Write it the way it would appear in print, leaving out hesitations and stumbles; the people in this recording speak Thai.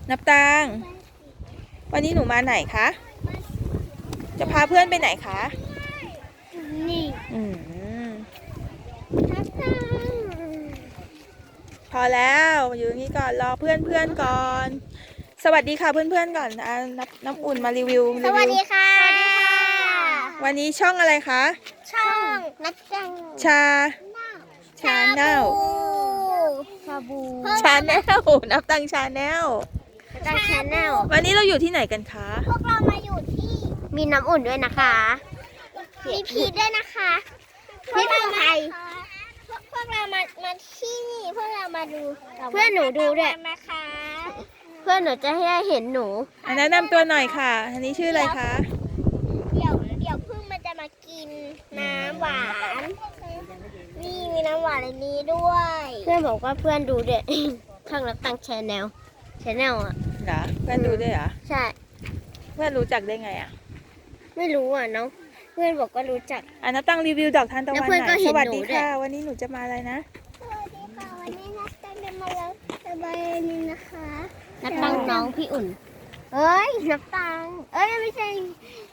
นับตังวันนี้หนูมาไหนคะ จะพาเพื่อนไปไหนคะนี่นับตังพอแล้วอยู่นี่ก่อนรอเพื่อนก่อน สวัสดีค่ะเพื่อนก่อนน้ำอุ่นมารีวิวสวัสดีค่ะวันนี้ช่องอะไรคะช่องนับตังชาแนลชาบูชาแนลนับตังชาแนลตังชาแนลวันนี้เราอยู่ที่ไหนกันคะพวกเรามาอยู่ที่มีน้ำอุ่นด้วยนะคะมีพีชด้วยนะคะพีชไทยพวกเรามาที่นี่พวกเรามาดูเพื่อนหนูดูด้วยนะคะเพื่อนหนูจะให้เห็นหนูแนะนำตัวหน่อยค่ะ อันนี้ชื่ออะไรคะเดี๋ยวพึ่งมันจะมากินน้ำหวานนี่มีน้ำหวานในนี้ด้วย เพื่อนบอกว่าเพื่อนดูเด็ด ช่างรับตังชาแนลอ่ะเหรอเพื่อนดูด้วยเหรอใช่เพื่อนรู้จักได้ไงอ่ะไม่รู้อ่ะน้องเพื่อนบอกว่ารู้จักนับตังรีวิวดอกทานตะวันแล้วเพื่อนก็หน่อยเห็สนวัสหนูดีด้วยค่ะ วันนี้หนูจะมาอะไรนะสวัสดีค่ะวันนี้นับตังจะมาแล้วสบายนี่นะคะนับตังน้องพี่อุ่นเอ้ยนับตังเอ้ยไม่ใช่